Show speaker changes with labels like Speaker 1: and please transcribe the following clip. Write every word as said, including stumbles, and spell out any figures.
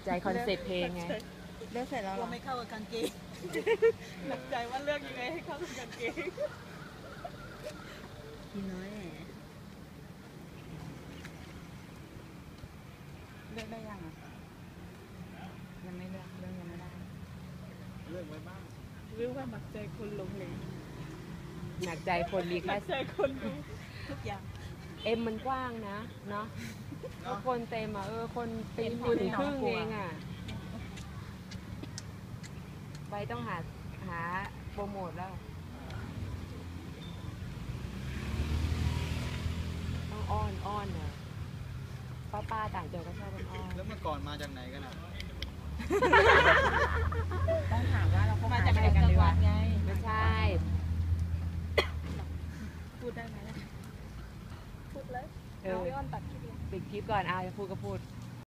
Speaker 1: ใจคอนเซ็ปต์เพลงไง
Speaker 2: เลือกเสร็จแล้วเรา
Speaker 3: ไม่เข้ากับกางเกงหนักใจว่าเลือกยังไงให้เข้ากับกางเกง
Speaker 2: กินน้อยแหมเลือกได้ยังอ่ะยังไม่เลือกเลือกยังไม่ได้
Speaker 4: เลือกไว้บ้าง
Speaker 3: หรือว่าหนักใจคนลงเลย
Speaker 1: หนักใจคนมี
Speaker 3: หนั
Speaker 1: แค่
Speaker 3: กใจคนรู้ทุกอย่าง
Speaker 1: เอ็มมันกว้างนะเนาะแล้วคนเต็มอ่ะเออคนตีนอยู่ถึงครึ่งเองอ่ะไปต้องหาหาโปรโมทแล้วต้องอ้อนอ้อนเนอะป้าป้าต่างจังหวัดก็ชอบอ้อน
Speaker 4: แล้วเมื่อก่อนมาจากไหนกันอ่ะ
Speaker 2: ต้องถามว่าเราเข้า
Speaker 3: มา
Speaker 2: มา
Speaker 3: จาก
Speaker 2: อะไรกันดีวะ
Speaker 3: ไง
Speaker 1: ไม่ใช่
Speaker 3: พูดได้ไหมพูดเลย
Speaker 1: เออ
Speaker 3: พี่อ้อนตัดคลิปเลย
Speaker 1: ปิดคลิปก่อนเอาจะพูดก็พูด
Speaker 3: พ